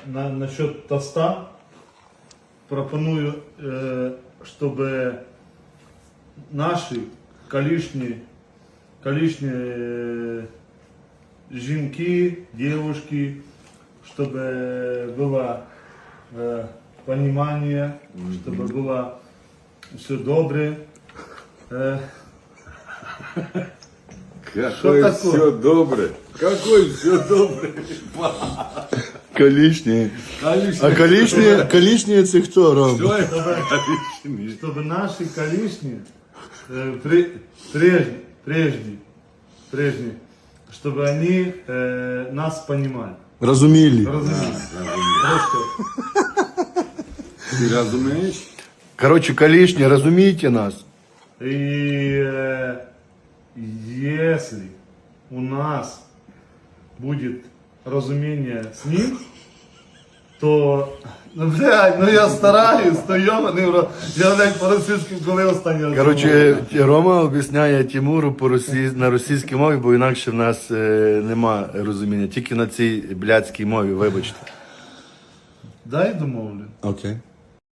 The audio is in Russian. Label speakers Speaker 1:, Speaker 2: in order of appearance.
Speaker 1: насчет тоста пропоную, чтобы наши колишние жінки, девушки, чтобы было понимание, чтобы было все добре.
Speaker 2: Какое
Speaker 1: такое?
Speaker 2: все добре. Какое все добре.
Speaker 3: Колишні. А колишні це хто, Ром?
Speaker 2: Что это колишний?
Speaker 1: Чтобы наши колишние, прежние, чтобы они нас понимали.
Speaker 3: Розумілі.
Speaker 1: Разумели. Просто.
Speaker 2: Ты разумеешь?
Speaker 3: Коротше, колишні, розумієте нас?
Speaker 1: И если у нас будет разумение с ним, то, я стараюсь, то йоманий в рот. Я, блядь, по-російськи, коли останній раз.
Speaker 3: Коротше, Рома об'ясняє Тимуру на російській мові, бо інакше в нас нема розуміння. Тільки на цій блядській мові, вибачте.
Speaker 1: Дай домовлю.
Speaker 3: Окей.